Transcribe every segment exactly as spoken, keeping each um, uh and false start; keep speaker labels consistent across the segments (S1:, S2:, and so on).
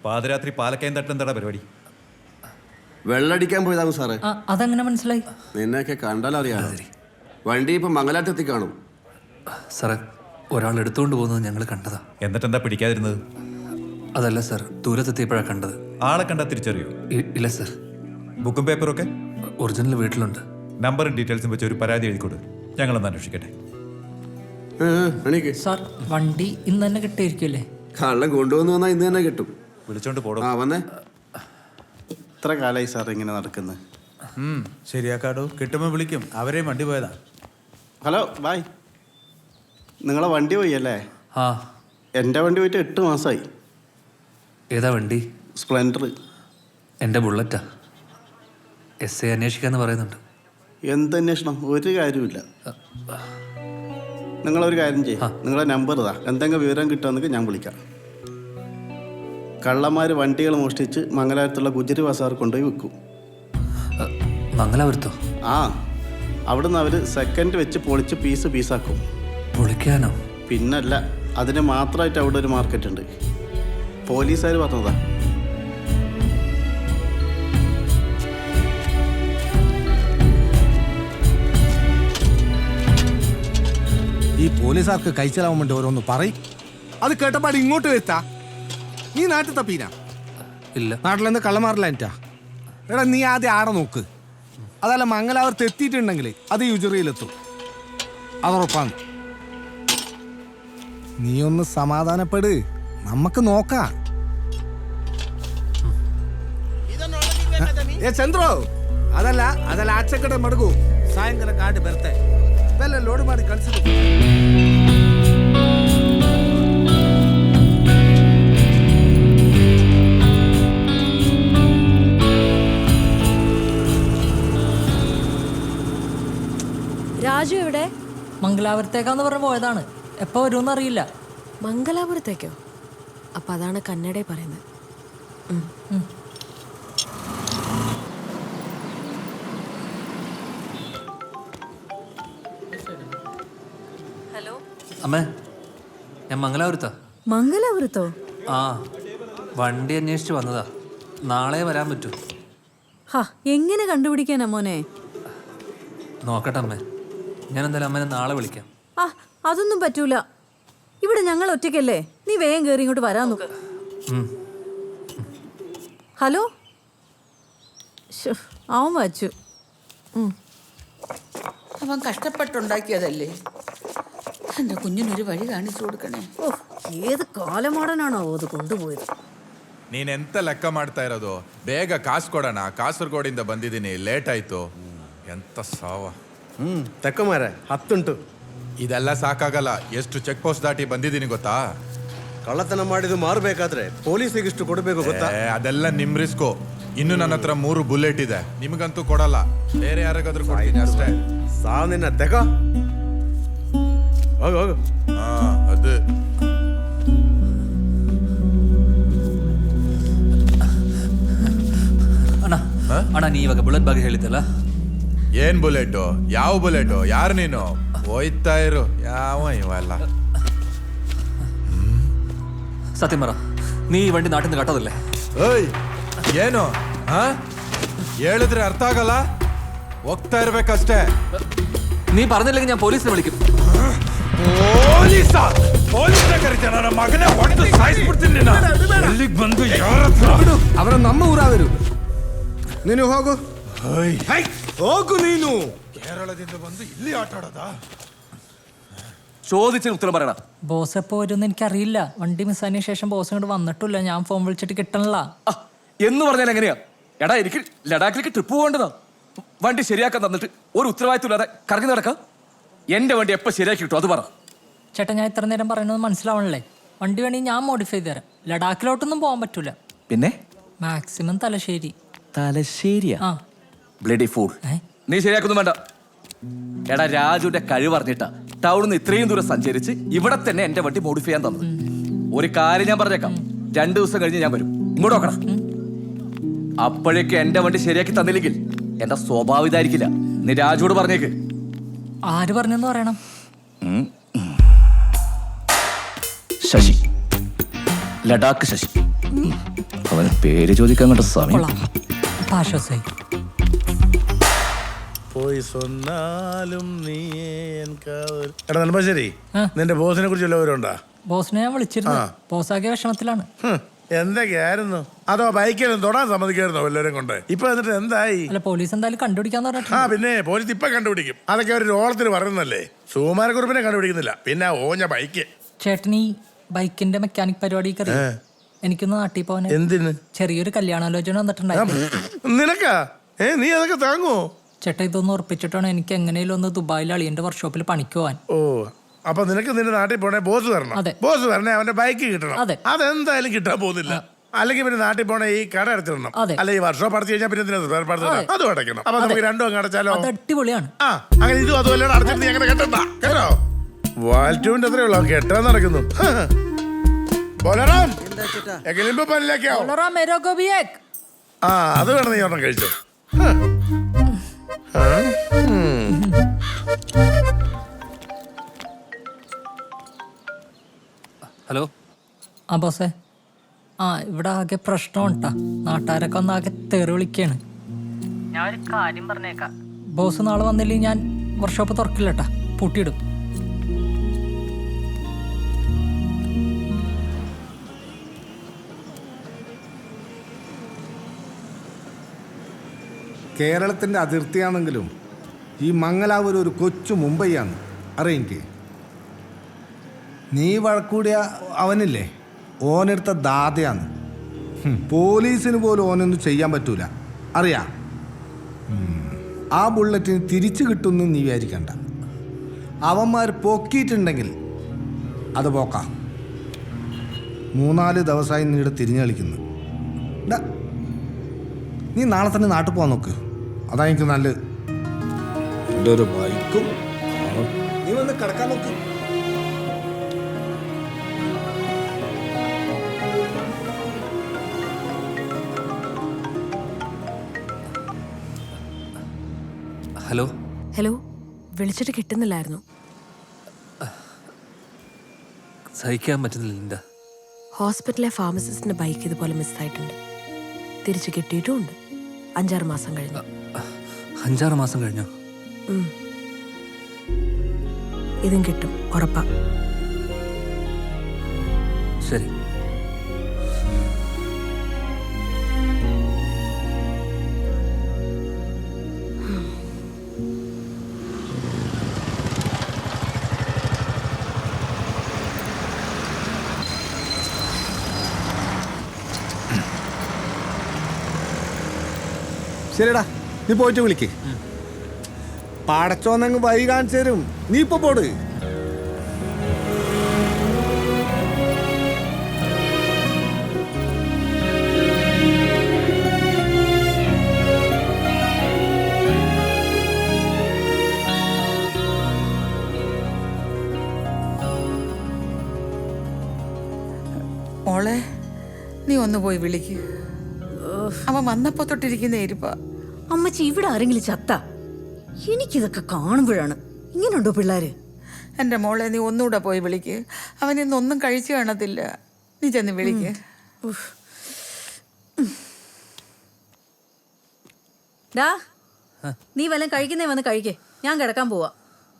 S1: പാതിരാത്രി പാലക്കയം തട്ടെന്താടാ പരിപാടി?
S2: വെള്ളടിക്കാൻ പോയതാകും സാറേ.
S3: അതെങ്ങനെ മനസ്സിലായി?
S2: നിന്നെയൊക്കെ കണ്ടാലറിയാം. വണ്ടി ഇപ്പൊ മംഗലാറ്റത്തി കാണും
S4: സാറേ. ഒരാൾ എടുത്തുകൊണ്ട് പോകുന്നത് ഞങ്ങൾ കണ്ടതാ.
S1: എന്നിട്ടെന്താ പിടിക്കാതിരുന്നത്?
S4: അതല്ല സാർ, ദൂരത്തെത്തിയപ്പോഴാണ് കണ്ടത്.
S1: ആളെ കണ്ടാ തിരിച്ചറിയോ?
S4: ഇല്ല സാർ.
S1: ബുക്കും പേപ്പറും ഒക്കെ
S4: ഒറിജിനൽ വീട്ടിലുണ്ട്.
S1: നമ്പറും ഡീറ്റെയിൽസും വെച്ച് ഒരു പരാതി എഴുതിക്കൊടു, ഞങ്ങളൊന്ന് അന്വേഷിക്കട്ടെ.
S3: സാർ, വണ്ടി ഇന്ന് തന്നെ കിട്ടിയിരിക്കുമല്ലേ?
S2: കള്ളം കൊണ്ടുവന്നു വന്നാൽ ഇന്ന് തന്നെ കിട്ടും.
S1: വിളിച്ചോണ്ട് പോടോ.
S2: ആ വന്നേ.
S5: എത്ര കാലമായി സാർ ഇങ്ങനെ നടക്കുന്നത്?
S6: ശരിയാക്കാടോ, കിട്ടുമ്പോൾ വിളിക്കും. അവരെയും വണ്ടി പോയതാ.
S5: Hello, bye. നിങ്ങളെ വണ്ടി പോയി അല്ലേ?
S4: ആ.
S5: എൻ്റെ വണ്ടി പോയിട്ട് എട്ട് മാസമായി.
S4: ഏതാ വണ്ടി?
S5: സ്പ്ലെൻഡർ.
S4: എൻ്റെ ബുള്ളറ്റാ. എസ് ഐ അന്വേഷിക്കാന്ന് പറയുന്നുണ്ട്.
S5: എന്ത് അന്വേഷണം? ഒരു കാര്യമില്ല. നിങ്ങളൊരു കാര്യം ചെയ്യും, നിങ്ങളെ നമ്പർ ഇതാ. എന്തെങ്കിലും വിവരം കിട്ടുമെന്നൊക്കെ ഞാൻ വിളിക്കാം. കള്ളന്മാർ വണ്ടികൾ മോഷ്ടിച്ച് മംഗലാപുരത്തുള്ള ഗുജറി ബസാർ കൊണ്ടുപോയി വിൽക്കും.
S4: മംഗലാപുരത്തോ?
S5: ആ, അവിടുന്ന് അവർ സെക്കൻഡ് വെച്ച് പൊളിച്ച് പീസ് പീസാക്കും.
S4: പൊളിക്കാനോ?
S5: പിന്നല്ല, അതിന് മാത്രമായിട്ട് അവിടെ ഒരു മാർക്കറ്റ് ഉണ്ട്. പോലീസുകാർ പറഞ്ഞതാ.
S6: ഈ പോലീസുകാർക്ക് കഴിച്ചലാവാൻ വേണ്ടി ഓരോന്ന് പറയും. അത് കേട്ടപ്പാട് ഇങ്ങോട്ട് വെത്താ. നീ നാട്ടിൽ തപ്പീന?
S4: ഇല്ല.
S6: നാട്ടിലെന്ത് കള്ളമാറില്ല എനിറ്റാ. എടാ, നീ ആദ്യം ആടെ നോക്ക്. അതല്ല, മംഗലാപുരത്ത് എത്തിയിട്ടുണ്ടെങ്കിൽ അത് യുജറിയിലെത്തും, അതുറപ്പാണ്. നീ ഒന്ന് സമാധാനപ്പെട്, നമുക്ക് നോക്കാം. ಏ ಚಂದ್ರು, ಅದಲ್ಲ ಅದಲ್ಲ ಆಚೆ ಕಡೆ ಮಡಗು. ಸಾಯಂಕಾಲ ಗಾಡಿ ಬರುತ್ತೆ, ಬೆಲ್ಲ ಲೋಡ್ ಮಾಡಿ ಕಳಿಸಿದ್ರು.
S7: രാജു എവിടെ?
S3: മംഗലാപുരത്തേക്കാന്ന് പറഞ്ഞ് പോയതാണ്. എപ്പോ വരുമെന്ന് അറിയില്ല.
S7: മംഗലാപുരത്തേക്കോ? അപ്പൊ അതാണ് കന്നഡയിൽ പറയുന്നത്.
S3: ഹലോ
S4: അമ്മേ, ഞാൻ മംഗലാപുരത്താ.
S7: മംഗലാപുരത്തോ?
S4: ആ, വണ്ടി അന്വേഷിച്ച് വന്നതാ. നാളെ വരാൻ പറ്റൂ?
S7: ഹാ, എങ്ങനെ കണ്ടുപിടിക്കാനാ മോനെ?
S4: നോക്കട്ടെ അമ്മേ, ഞാൻ എന്തായാലും അമ്മേനെ നാളെ വിളിക്കാം.
S7: ആ, അതൊന്നും പറ്റൂല. ഇവിടെ ഞങ്ങൾ ഒറ്റയ്ക്കല്ലേ. നീ വേഗം കയറി ഇങ്ങോട്ട് വരാൻ നോക്ക്. ഹലോ, അവൻ വച്ചു.
S8: അവൻ കഷ്ടപ്പെട്ടുണ്ടാക്കിയതല്ലേ. എൻ്റെ കുഞ്ഞിനൊരു വഴി കാണിച്ചു കൊടുക്കണേ.
S7: ഓ, ഏത് ಕಾಲಮಾಡನಾണോ ಅದು കൊണ്ടുപോയത്?
S9: ನೀನೆಂತ ಲೆಕ್ಕ ಮಾಡ್ತಾ ಇರೋದು? ಬೇಗ ಕಾಸು ಕೊಡೋಣ. ಕಾಸರಗೋಡಿಂದ ಬಂದಿದ್ದೀನಿ, ಲೇಟ್ ಆಯ್ತು. ಎಂತ ಸಾವ.
S5: ಹ್ಮ್ ತಕ್ಕಮಾರೆ ಹತ್ತುಂಟು.
S9: ಇದೆಲ್ಲ ಸಾಕಾಗಲ್ಲ. ಎಷ್ಟು ಚೆಕ್ ಪೋಸ್ಟ್ ದಾಟಿ ಬಂದಿದ್ದೀನಿ ಗೊತ್ತಾ?
S5: ಕಳ್ಳತನ ಮಾಡಿದ್ದು ಮಾರಬೇಕಾದ್ರೆ ಪೊಲೀಸಿಗೆ ಇಷ್ಟು ಕೊಡಬೇಕು ಗೊತ್ತಾ?
S9: ಅದೆಲ್ಲ ನಿಮ್ ರಿಸ್ಕು. ಇನ್ನು ನನ್ನ ಹತ್ರ ಮೂರು ಬುಲೆಟ್ ಇದೆ, ನಿಮಗಂತೂ ಕೊಡಲ್ಲ. ಬೇರೆ ಯಾರಿಗಾದ್ರೂ ಕೊಡ್ತೀನಿ ಅಷ್ಟೇ.
S5: ಸಾವ್ ನಿನ್ನ ತೆಗ. ಹೋಗು ಹೋಗು.
S9: ಹಾ, ಅದು
S4: ಅಣ್ಣ ಅಣ್ಣ ನೀ ಇವಾಗ ಬುಲೆಟ್ ಬಗ್ಗೆ ಹೇಳಿದ್ದಲ್ಲ,
S9: ಏನ್ ಬುಲೆಟು? ಯಾವ ಬುಲೆಟು? ಯಾರು ನೀನು? ಹೋಯ್ತಾ ಇರು. ಯಾವ ಇವೆಲ್ಲ
S4: സത്യം പറ, നീ ഈ വണ്ടി നാട്ടിൽ നിന്ന് കട്ടതല്ലേ?
S9: ಓಯ್, ಏನು ಹಾ ಹೇಳಿದ್ರೆ ಅರ್ಥ ಆಗಲ್ಲ. ಹೋಗ್ತಾ ಇರ್ಬೇಕಷ್ಟೇ.
S4: നീ പറഞ്ഞില്ലെങ്കിൽ ഞാൻ പോലീസിനെ വിളിക്കും.
S9: ಪೊಲೀಸ ಪೊಲೀಸ ಕರೀತಾನ? ನನ್ನ ಮಗನೇ ಹೊಡೆದು ಸಾಯಿಸ್ಬಿಡ್ತೀನಿ. ಎಲ್ಲಿಗೆ ಬಂದು ಯಾರ ಹತ್ರ?
S6: ಅವರ ನಮ್ಮ ಊರಾದರು. ನೀನು ಹೋಗು ಹೋಗು. ನೀನು
S9: കേരളದಿಂದ ಬಂದು ಇಲ್ಲಿ ಆಟ ಆಡೋದಾ?
S4: ചോദിച്ചതിന് ഉത്തരം പറയണ.
S3: ബോസ് എപ്പോ വരുമെന്ന് എനിക്കറിയില്ല. വണ്ടി മിസ്സായതിനു ശേഷം ബോസ് ഇങ്ങോട്ട് വന്നിട്ടില്ല. ഞാൻ ഫോൺ വിളിച്ചിട്ട് കിട്ടണില്ല.
S4: എന്ന് പറഞ്ഞാൽ എങ്ങനെയാ? എടാ, എനിക്ക് ലഡാക്കിലേക്ക് ട്രിപ്പ് പോകേണ്ടതാ. വണ്ടി ശരിയാക്കാൻ തന്നിട്ട് ഒരു ഉത്തരവാദിത്വം ഇല്ലാതെ കറങ്ങി നടക്കാം. എന്റെ വണ്ടി എപ്പോ ശരിയാക്കി കിട്ടും അത് പറ.
S3: ചേട്ടാ, ഞാൻ ഇത്ര നേരം പറയുന്നത് മനസ്സിലാവണല്ലേ? വണ്ടി വേണമെങ്കിൽ ഞാൻ മോഡിഫൈ ചെയ്ത് തരാം. ലഡാക്കിലോട്ടൊന്നും പോകാൻ പറ്റൂല.
S4: പിന്നെ
S3: മാക്സിമം തലശ്ശേരി.
S4: തലശ്ശേരിയാ?
S3: ആ,
S4: ബ്ലഡി ഫൂൾ. നീ ശരിയാക്കൊന്നും വേണ്ട. എടാ, രാജുവിന്റെ കഴിവ് അറിഞ്ഞിട്ടാ ടൗണിൽ നിന്ന് ഇത്രയും ദൂരം സഞ്ചരിച്ച് ഇവിടെ തന്നെ എന്റെ വണ്ടി മോഡിഫൈ ചെയ്യാൻ തന്നത്. ഒരു കാര്യം ഞാൻ പറഞ്ഞേക്കാം, രണ്ടു ദിവസം കഴിഞ്ഞ് ഞാൻ വരും. ഇങ്ങോട്ട് നോക്കണം. അപ്പോഴേക്ക് എന്റെ വണ്ടി ശരിയാക്കി തന്നില്ലെങ്കിൽ എന്റെ സ്വഭാവം ഇതായിരിക്കില്ല. നീ രാജുവോട് പറഞ്ഞേക്ക്.
S3: ആര് പറഞ്ഞെന്ന് പറയണം?
S4: ശശി, ലഡാക്ക് ശശി. അവന് പേര് ചോദിക്കാൻ കണ്ട സമയം.
S3: കൊള്ളാം. ഇപ്പൊ ആശ്വാസമായി.
S10: പോയി സൊന്നാലും നീ എടാ നെടുമ്പാശ്ശേരി,
S3: ആ.
S10: നിന്റെ ബോസിനെ കുറിച്ച് വല്ലവരുണ്ടാ?
S3: ബോസിനെ ഞാൻ വിളിച്ചിരുന്നു. ബോസാക്കിയ വിഷമത്തിലാണ്.
S10: എന്തൊക്കെയായിരുന്നു? അതോ ബൈക്കിലും തൊടാൻ സമ്മതിക്കായിരുന്നോ എല്ലാവരും കൊണ്ട്? ഇപ്പൊ എന്നിട്ട് എന്തായി?
S3: അല്ല, പോലീസ് എന്തായാലും കണ്ടുപിടിക്കാന്ന്
S10: ആ
S3: പറഞ്ഞിട്ടുണ്ട്.
S10: പിന്നെ പോലീസ് ഇപ്പൊ കണ്ടുപിടിക്കും. അതൊക്കെ ഒരു ഓളത്തിന് പറയുന്നല്ലേ. സുകുമാരക്കുറിപ്പിനെ കണ്ടുപിടിക്കുന്നില്ല, പിന്നെ ഓഞ്ഞ ബൈക്ക്.
S3: ചേട്ടൻ ഈ ബൈക്കിന്റെ മെക്കാനിക് പരിപാടി കയറി എനിക്കൊന്ന് നാട്ടിൽ പോവാൻ
S10: എന്തിന്?
S3: ചെറിയൊരു കല്യാണാലോചന വന്നിട്ടുണ്ടായിരുന്നു.
S10: നിനക്കാ? ഏ നീ അതൊക്കെ താങ്ങോ?
S3: ചേട്ടാ, ഇതൊന്ന് ഉറപ്പിച്ചിട്ടാണ് എനിക്ക് എങ്ങനെയും ഒന്ന് ദുബായിൽ അളിയന്റെ വർക്ക്ഷോപ്പിൽ പണിക്ക് പോവാൻ.
S10: ഓ, അപ്പൊ നിനക്ക് നിന്റെ നാട്ടിൽ പോണേ ബോസ് തരണം.
S3: അതെ.
S10: ബോസ് തരണേ അവന്റെ ബൈക്ക് കിട്ടണം.
S3: അതെ.
S10: അതെന്തായാലും കിട്ടാൻ പോകുന്നില്ല. അല്ലെങ്കിൽ പിന്നെ നാട്ടിൽ പോണേ ഈ കട അടച്ചിടണം.
S3: അതെ.
S10: അല്ല ഈ വർഷം അടച്ചു കഴിഞ്ഞാൽ പിന്നെ എന്തിനാ spare parts ഇടാൻ? അതും അടയ്ക്കണം. അപ്പൊ നമുക്ക് രണ്ടും അങ്ങ് അടച്ചാലോ?
S3: അത് അടിപൊളിയാണ്.
S10: ആ അങ്ങനെ ഇതും അതുമല്ല അടച്ചിട്ട് നീ അങ്ങനെ കെട്ടണ്ട കേട്ടോ. വാൽറ്റൂവിന്റെ അത്രേ ഉള്ളൂ കെട്ടാൻ നടക്കുന്നു. ബോലറാം, എങ്ങനെയുമ്പോ പല്ലിലേക്കോ?
S3: ബോളറാ മേരോ കോ ഭി ഏക്.
S10: ആ അത് വേണം നീ ഒരെണ്ണം കഴിച്ചോ.
S4: ഹലോ.
S3: ആ ബോസേ, ആ ഇവിടെ ആകെ പ്രശ്നം ഉണ്ടാ. നാട്ടുകാരൊക്കെ ഒന്ന് ആകെ തെറി വിളിക്കാണ്. ഞാൻ ഒരു കാര്യം പറഞ്ഞേക്കാം. ബോസ് നാളെ വന്നില്ലെങ്കിൽ ഞാൻ വർക്ക്ഷോപ്പ് തുറക്കില്ലട്ടാ, പൂട്ടിയിടും.
S6: കേരളത്തിൻ്റെ അതിർത്തിയാണെങ്കിലും ഈ മംഗലാപുരം ഒരു കൊച്ചു മുംബൈയാണ്. അറിയെനിക്ക് നീ വഴക്കൂടിയ അവനില്ലേ, ഓനെടുത്ത ദാതയാണ്. ഹും, പോലീസിന് പോലും ഓനൊന്നും ചെയ്യാൻ പറ്റൂല, അറിയാ. ആ ബുള്ളറ്റിന് തിരിച്ചു കിട്ടുമെന്ന് നീ വിചാരിക്കണ്ട. അവന്മാർ പൊക്കിയിട്ടുണ്ടെങ്കിൽ അത് പോക്കാം. മൂന്നാല് ദിവസമായി നീടെ തിരിഞ്ഞു കളിക്കുന്നു. ഡാ, നീ നാളെ തന്നെ നാട്ടിൽ പോകാൻ നോക്ക്, അതാ എനിക്ക് നല്ലത്. എൻ്റെ ഒരു ബൈക്കും നീ വന്ന് കിടക്കാൻ നോക്ക്.
S4: ഹലോ.
S11: ഹലോ, വിളിച്ചിട്ട് കിട്ടുന്നില്ലായിരുന്നു.
S4: സഹിക്കാൻ പറ്റുന്നില്ല ലിൻഡ.
S11: ഹോസ്പിറ്റലിലെ ഫാർമസിസ്റ്റിന്റെ ബൈക്ക് ഇതുപോലെ മിസ്സായിട്ടുണ്ട്. തിരിച്ചു കിട്ടിയിട്ടുമുണ്ട്. അഞ്ചാറ് മാസം കഴിഞ്ഞു.
S4: അഞ്ചാറ് മാസം കഴിഞ്ഞോ?
S11: ഉം. ഇതും കിട്ടും, ഉറപ്പാ.
S4: ശരി.
S6: ശരിടാ, നീ പോയിട്ട് വിളിക്ക്. പടച്ചോന്നങ്ങ് വഴി കാണിച്ചു തരും. നീ ഇപ്പൊ പോട്.
S8: മോളെ, നീ ഒന്ന് പോയി വിളിക്ക്. അവൻ വന്നപ്പോ തൊട്ടിരിക്കുന്ന ഇരിപ്പ.
S7: അമ്മച്ചി, ഇവിടെ ആരെങ്കിലും ചത്ത? എനിക്കിതൊക്കെ കാണുമ്പോഴാണ് ഇങ്ങനെയുണ്ടോ പിള്ളേര്?
S8: എൻ്റെ മോളെ, നീ ഒന്നുകൂടെ പോയി വിളിക്ക്. അവൻ ഇന്നൊന്നും കഴിച്ചു കാണത്തില്ല. നീ ചെന്ന് വിളിക്ക്.
S7: ഡാ, നീ വല്ലതും കഴിക്കുന്നേ വന്ന് കഴിക്കേ, ഞാൻ കിടക്കാൻ പോവാ.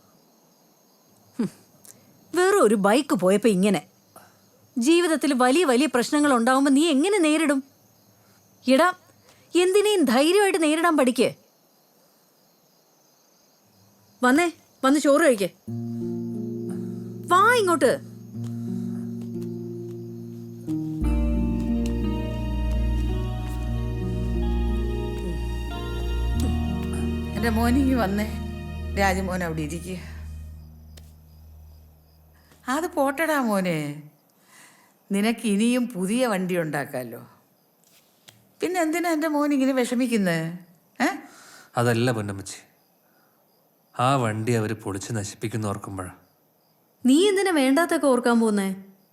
S7: വേറെ ഒരു ബൈക്ക് പോയപ്പോ ഇങ്ങനെ. ജീവിതത്തിൽ വലിയ വലിയ പ്രശ്നങ്ങൾ ഉണ്ടാവുമ്പോ നീ എങ്ങനെ നേരിടും? എടാ, എന്തിനേയും ധൈര്യമായിട്ട് നേരിടാൻ പഠിക്കേ. വന്നേ, വന്ന് ചോറ് കഴിക്കേ. വാ ഇങ്ങോട്ട്.
S8: എൻ്റെ മോനിങ്ങി വന്നേ. രാജമോൻ അവിടെ ഇരിക്കുക. അത് പോട്ടടാ മോനെ, നിനക്ക് ഇനിയും പുതിയ വണ്ടി ഉണ്ടാക്കാമല്ലോ. പിന്നെ എന്തിനാ എൻ്റെ മോൻ ഇങ്ങനെ വിഷമിക്കുന്നത്? ഏ
S12: അതല്ല പൊന്നമ്മച്ചി, ആ വണ്ടി അവർ പൊളിച്ച് നശിപ്പിക്കുന്ന ഓർക്കുമ്പോഴാ.
S7: നീ എന്തിനാ വേണ്ടാത്തൊക്കെ ഓർക്കാൻ പോന്നേ?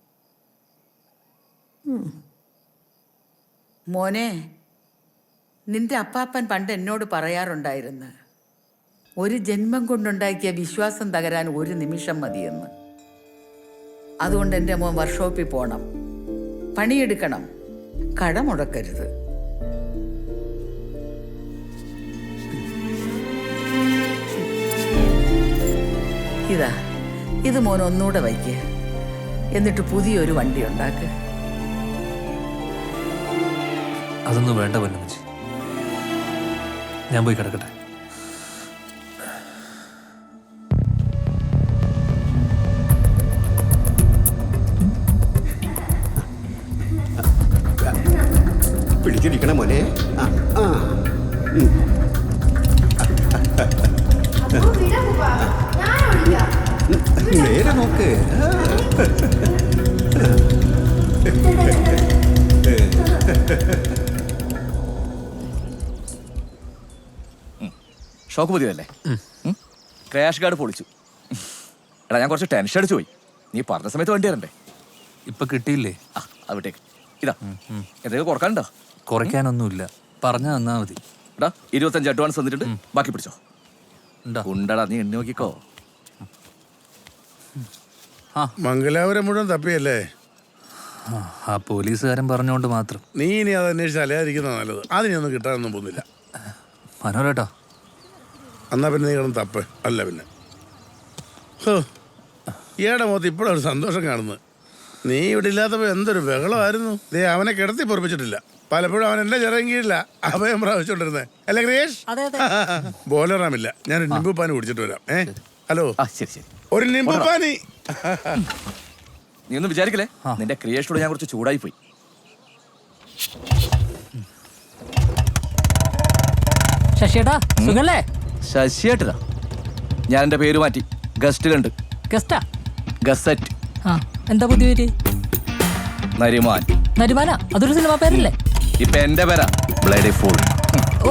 S8: മോനെ, നിന്റെ അപ്പാപ്പൻ പണ്ട് എന്നോട് പറയാറുണ്ടായിരുന്നു, ഒരു ജന്മം കൊണ്ടുണ്ടാക്കിയ വിശ്വാസം തകരാൻ ഒരു നിമിഷം മതിയെന്ന്. അതുകൊണ്ട് എൻ്റെ മോൻ വർക്ക്ഷോപ്പിൽ പോകണം. പണിയെടുക്കണം, കട മുടക്കരുത്. ഇതാ, ഇത് മോൻ ഒന്നുകൂടെ വയ്ക്ക്. എന്നിട്ട് പുതിയൊരു വണ്ടി ഉണ്ടാക്ക്.
S12: അതൊന്നും വേണ്ട പൊന്നമ്മച്ചി, ഞാൻ പോയി കിടക്കട്ടെ.
S2: പിടിച്ചിരിക്കണ മോനെ. ആ, ആ. ഉം. നേരെ നോക്ക്.
S4: ഷോക്ക് പുതിയതല്ലേ? ക്രാഷ് ഗാർഡ് പൊളിച്ചു. എടാ, ഞാൻ കുറച്ച് ടെൻഷൻ അടിച്ചു പോയി. നീ പറഞ്ഞ സമയത്ത് വണ്ടി തരണ്ടേ?
S12: ഇപ്പൊ കിട്ടിയില്ലേ?
S4: ആ, അവിട്ടേക്ക്. ഇതാ, എന്തെങ്കിലും കുറക്കാനുണ്ടോ?
S12: കുറയ്ക്കാനൊന്നുമില്ല, പറഞ്ഞാ തന്നാ മതി.
S4: എടാ, ഇരുപത്തഞ്ച് അഡ്വാൻസ് തന്നിട്ടുണ്ട്, ബാക്കി പിടിച്ചോ. ഉണ്ടടാ, നീ എണ്ണി നോക്കിക്കോ.
S10: മംഗലാപുരം മുഴുവൻ തപ്പിയല്ലേ?
S12: ആ പോലീസുകാരൻ പറഞ്ഞോണ്ട് മാത്രം.
S10: നീ ഇനി അത് അന്വേഷിച്ച് അലയാതിരിക്കുന്ന നല്ലത്. അതിനൊന്നും കിട്ടാനൊന്നും പോകുന്നില്ല.
S12: മനോരേട്ടോ,
S10: എന്നാ പിന്നെ നീ കിടന്ന് തപ്പ്. അല്ല പിന്നെ ഈയുടെ മുഖത്ത് ഇപ്പോഴൊരു സന്തോഷം കാണുന്നത്. നീ ഇവിടെ ഇല്ലാത്തപ്പോൾ എന്തൊരു ബഹളമായിരുന്നു. ദേ, അവനെ കിടത്തി പൊറപ്പിച്ചിട്ടില്ല. പലപ്പോഴും അവൻ എന്റെ ചെറിയ കീഴില്ല അഭയം പ്രാപിച്ചോണ്ടിരുന്നേ. അല്ലേ ക്രിയേഷ്? ബോലറാമില്ല. ഞാനൊരു നിമ്പു പാനി കുടിച്ചിട്ട് വരാം. ഏ ഹലോ,
S4: ശരി ശരി,
S10: ഒരു നിമ്പു പാനി.
S4: നീ ഒന്നും വിചാരിക്കലേ, നിന്റെ ക്രിയേഷനോട് ഞാൻ കുറച്ച് ചൂടായി പോയി.
S3: ശശിയേട്ടാ, സുഖല്ലേ?
S4: ശശിയേട്ടതാ, ഞാൻ എന്റെ പേര് മാറ്റി. ഗസ്റ്റിലുണ്ട്.
S3: ഗസ്റ്റാ?
S4: ഗസറ്റ്.
S3: ആ, എന്താ പുതിയ പേര്?
S4: നരിമാൻ.
S3: നരിമാന? അതൊരു സിനിമ പേരല്ലേ?
S4: ഇപ്പൊ എന്റെ പേരാ, ബ്ലഡി ഫുൾ.
S3: ഓ,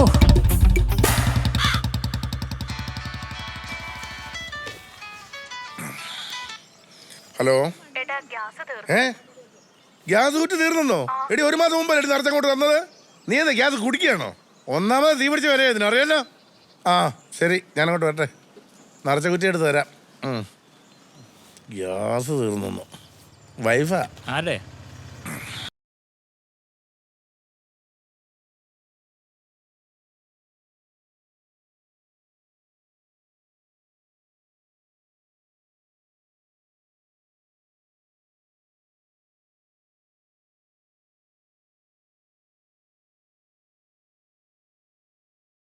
S10: ഹലോ. ഏ ഗ്യാസ് കുറ്റി തീർന്നോ? എടി, ഒരു മാസം മുമ്പ് എടി നിറച്ചങ്ങോട്ട് തന്നത്. നീ എന്താ ഗ്യാസ് കുടിക്കുകയാണോ? ഒന്നാമത് തീ പിടിച്ച് വരെ ഇതിനറിയാലോ. ആ ശരി, ഞാനങ്ങോട്ട് വരട്ടെ. നിറച്ച കുറ്റി എടുത്ത് തരാം. ഗ്യാസ് തീർന്നു. വൈഫാ?
S1: ആരെ?